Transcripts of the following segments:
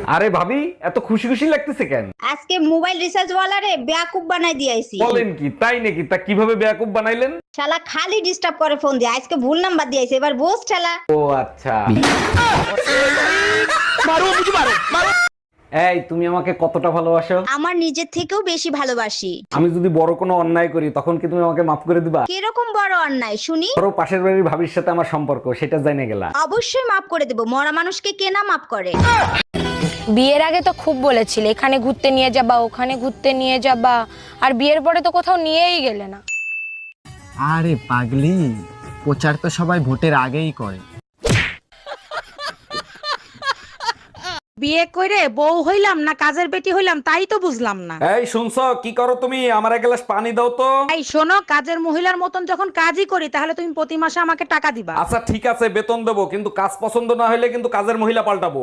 আরে ভাবি, এত খুশি খুশি লাগতেছে কেন? আজকে মোবাইল রিচার্জ ওয়ালারে বেয়াকুব বানাই দিয়েছি। বলেন কি? তাই নাকি? তা কিভাবে বেয়াকুব বানাইলেন? শালা খালি ডিস্টার্ব করে ফোন দিয়ে, আজকে ভুল নাম্বার দিয়েছে, এবার বোস ঠেলা। ও আচ্ছা। এই, তুমি আমাকে কতটা ভালোবাসো? আমার নিজের থেকেও বেশি ভালোবাসি। আমি যদি বড় কোনো অন্যায় করি তখন কি তুমি আমাকে মাফ করে দিবা? কিরকম বড় অন্যায় শুনি? ধরো পাশের বাড়ির ভাবির সাথে আমার সম্পর্ক, সেটা জেনে গেলা। অবশ্যই মাফ করে দেব, মরা মানুষকে কে না মাফ করে। বিয়ের আগে তো খুব বলেছিলে এখানে ঘুরতে নিয়ে যাবা, ওখানে ঘুরতে নিয়ে যাবা, আর বিয়ের পরে তো কোথাও নিয়েই গেলে না। আরে পাগলি, প্রচার তো সবাই ভোটের আগেই করে। বিয়ে করে বউ হইলাম না কাজের বেটি হইলাম তাই তো বুঝলাম না। এই শুনছো? কি করো তুমি? আমার এক গ্লাস পানি দাও তো। এই শোনো, কাজের মহিলার মতন যখন কাজই করি তাহলে তুমি প্রতি মাসে আমাকে টাকা দিবা। আচ্ছা ঠিক আছে, বেতন দেবো, কিন্তু কাজ পছন্দ না হলে কিন্তু কাজের মহিলা পাল্টাবো।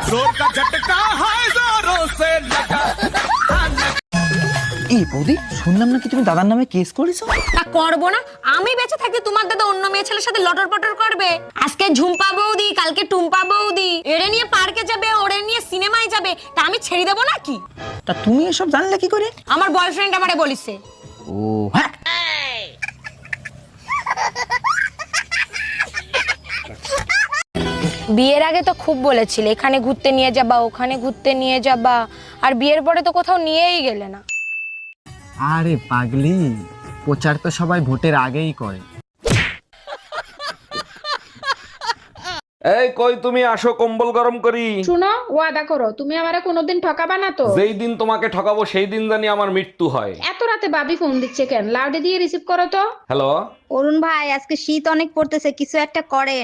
এই বৌদি, শুনলাম নাকি তুমি দাদার নামে কেস করেছো? তা করবো না? আমি বেঁচে থাকতে তোমার দাদা অন্য মেয়ে ছেলের সাথে লটর পটর করবে? আজকে ঝুম্পা বৌদি, কালকে টুম্পা বৌদি, এরে নিয়ে পার্কে যাবে, ওরে নিয়ে সিনেমায় যাবে, তা আমি ছেড়ে দেবো নাকি? তা তুমি এসব জানলে কি করে? আমার বয়ফ্রেন্ড আমারে বলিছে। ও হ্যাঁ, বিয়ের আগে তো খুব বলেছিলে এখানে ঘুরতে নিয়ে যাবা, ওখানে ঘুরতে নিয়ে যাবা, আর বিয়ের পরে তো কোথাও নিয়েই গেলে না। আরে পাগলি, প্রচার তো সবাই ভোটের আগেই করে। এই কই তুমি? আসো, কম্বল গরম করি। শুনো, ওয়াদা করো তুমি আমারে কোনোদিন ঠকাবা না তো। যেই দিন তোমাকে ঠকাবো সেই দিন জানি আমার মৃত্যু হয়। এত রাতে ভাবি ফোন দিচ্ছে কেন? লাউডে দিয়ে রিসিভ করো তো। হ্যালো। অরুণ ভাই, আজকে শীত অনেক পড়তেছে, কিছু একটা করেন।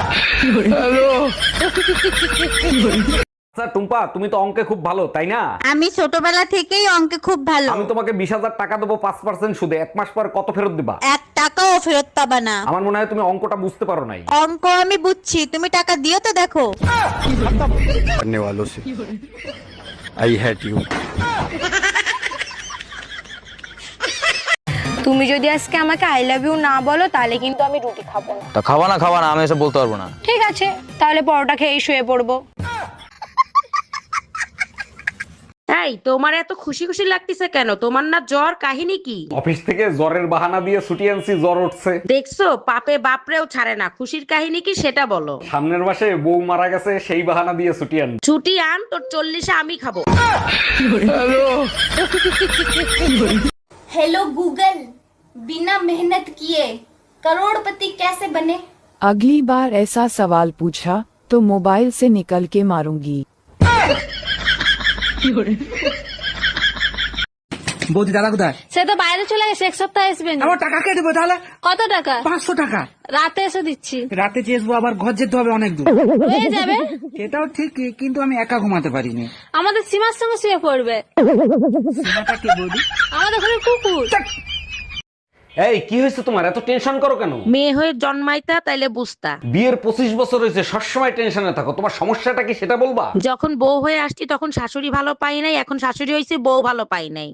আচ্ছা টুম্পা, তুমি তো অঙ্কে খুব ভালো, তাই না? আমি ছোটবেলা থেকেই অঙ্কে খুব ভালো। আমি তোমাকে 20,000 টাকা দেবো 5% সুদে, 1 মাস পর কত ফেরত দিবা? 1 টাকাও ফেরত পাবা না। আমার মনে হয় তুমি অঙ্কটা বুঝতে পারো নাই। অঙ্ক আমি বুঝছি, তুমি টাকা দিও তো দেখো। करने वालों से आई हेट यू। তুমি যদি আজকে আমাকে আই লাভ ইউ না বলো তাহলে কিন্তু আমি রুটি খাবো না। তা খাওয়া না, আমি এসব বলতে পারবো না। ঠিক আছে, তাহলে পরোটা খেয়েই শুয়ে পড়বো। এই তোমার এত খুশি খুশি লাগতেছে কেন? তোমার না জ্বর? কাহিনী কি? অফিস থেকে জ্বরের বাহানা দিয়ে ছুটি আনছি, জ্বর উঠছে। দেখছো, পাপে বাপরেও ছাড়ে না। খুশির কাহিনী কি সেটা বলো। সামনের মাসে বউ মারা গেছে, সেই বাহানা দিয়ে ছুটি আন। ছুটি আন, তোর 40-এ আমি খাবো। हेलो गूगल, बिना मेहनत किए करोड़पति कैसे बने? अगली बार ऐसा सवाल पूछा तो मोबाइल से निकल के मारूंगी। বৌদি দাদা কোথায়? সে তো বাইরে চলে গেছে, এক সপ্তাহ আসবে না। আমার টাকা কে দেবো তাহলে? কত টাকা? 500 টাকা। রাতে এসে দিচ্ছি। রাতে চেয়েছবো, আবার ঘর যেতে হবে অনেক দূর। হয়ে যাবে। সেটাও ঠিক, কিন্তু আমি একা ঘুমাতে পারিনি। আমাদের সীমার সঙ্গে শুয়ে পড়বে। কি বৌদি? আমাদের ঘরে কুকুর। এই কি হয়েছে তোমার? এত টেনশন করো কেন? মেয়ে হয়ে জন্মাইতা তাইলে বুঝতা। বিয়ের 25 বছর হয়েছে, সবসময় টেনশনে থাকো। তোমার সমস্যাটা কি সেটা বলবা? যখন বউ হয়ে আসছি তখন শাশুড়ি ভালো পাই নাই, এখন শাশুড়ি হয়েছে বউ ভালো পাই নাই।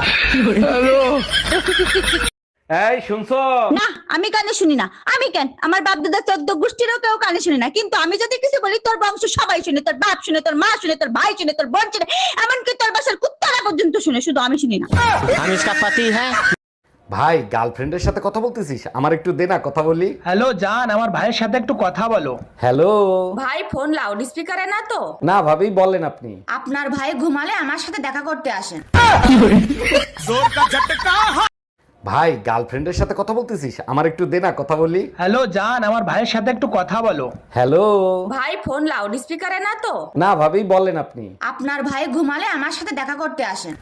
এই শুনছো? না, আমি কানে শুনি না। আমি কেন? আমার বাপ দাদা 14 গোষ্ঠীরও কেউ কানে শুনি না, কিন্তু আমি যদি কিছু বলি তোর বংশ সবাই শুনে, তোর বাপ শুনে, তোর মা শুনে, তোর ভাই শুনে, তোর বোন শুনে, এমনকি তোর বাসার কুত্তারা পর্যন্ত শুনে, শুধু আমি শুনি না। আমি इसका पति है। ভাই, গার্লফ্রেন্ডের সাথে কথা বলতেছিস? আমার একটু দে না, কথা বলি। হ্যালো জান, আমার ভাইয়ের সাথে একটু কথা বলো। হ্যালো। ভাই ফোন লাউড স্পিকারে না তো? না ভাবি, বলেন আপনি। আপনার ভাই ঘুমালে আমার সাথে দেখা করতে আসেন। ভাই, গার্লফ্রেন্ডের সাথে কথা বলতেছিস? আমার একটু দে না, কথা বলি। হ্যালো জান, আমার ভাইয়ের সাথে একটু কথা বলো। হ্যালো। ভাই ফোন লাউড স্পিকারে না তো? না ভাবি, বলেন আপনি। আপনার ভাই ঘুমালে আমার সাথে দেখা করতে আসেন।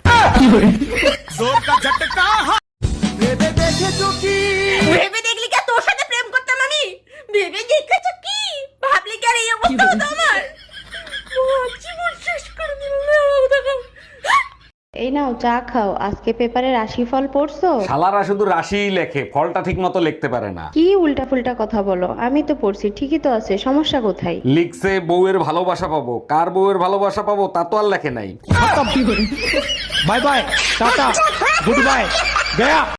ভেবে দেখলি কি তোর সাথে প্রেম করতাম আমি? ভেবে দেখেছো কি? ভাবলি কি আর এই অবস্থা হতো আমার? জীবন শেষ করে দিল। এই নাও চা খাও, আজকে পেপারে রাশিফল পড়ছো? শালারা শুধু রাশিই লেখে, ফলটা ঠিক মতো লিখতে পারে না। কি উল্টা ফুলটা কথা বলো? আমি তো পড়ছি, ঠিকই তো আছে, সমস্যা কোথায়? লিখছে বউয়ের ভালোবাসা পাবো, কার বউয়ের ভালোবাসা পাবো তা তো আর লেখে নাই। Bye bye, tata, goodbye, Gaya.